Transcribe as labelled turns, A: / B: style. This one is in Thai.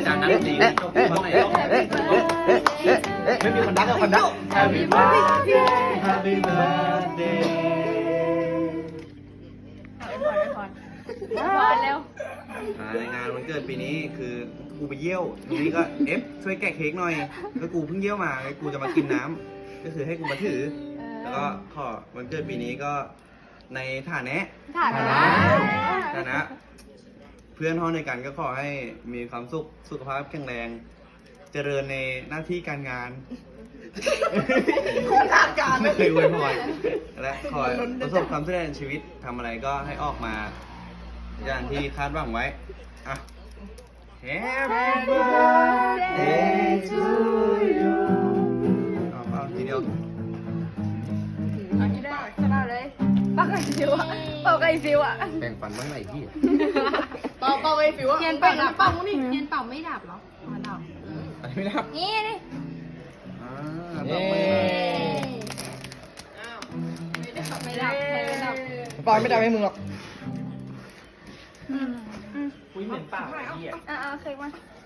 A: จารย์นักดนตรีจบตอนไหนไม่มีคนดักกับคนดัก Happy birthday Happy birthday
B: พอแล้ว
A: ในงานวันเกิดปีนี้คือกูไปเยี่ยวทีนี้ก็ช่วยแกะเค้กหน่อยก็กูเพิ่งเยี่ยวมากูจะมากินน้ำก็คือให้กูมาถือแล้วก็ขอวันเกิดปีนี้ก็ในฐานะเพื่อนห้องในกันก็ขอให้มีความสุขภาพแข็งแรงเจริญในหน้าที่การงานไม่เคยอวยพรและขอประสบความสำเร็จในชีวิตทำอะไรก็ให้ออกมาอย่างที่คาดหวังไว้อ่ะ Happy birthday to you เอาทีเดียว
B: เอาที่ได้ชนะเลยเป่าไก่ฟิวอะเป่าไก่ฟิวอะ
A: แบ่งปันบ้างไหนพี่
C: เป่าไอ้ฟิวอะเทียนเป่าดับเป่านี่เทียนเป่าไม่ดับหรอมันดับ
A: อันนี้ไม่ดับ
B: นี่นี่
A: ต่อไป
B: ไม่ดับไม่ดับ
D: ปอยไม่ได้ให้มึงหรอก
A: คุยเหมือนเปล่าไอ้เหี้ย
B: เอาเค้กมา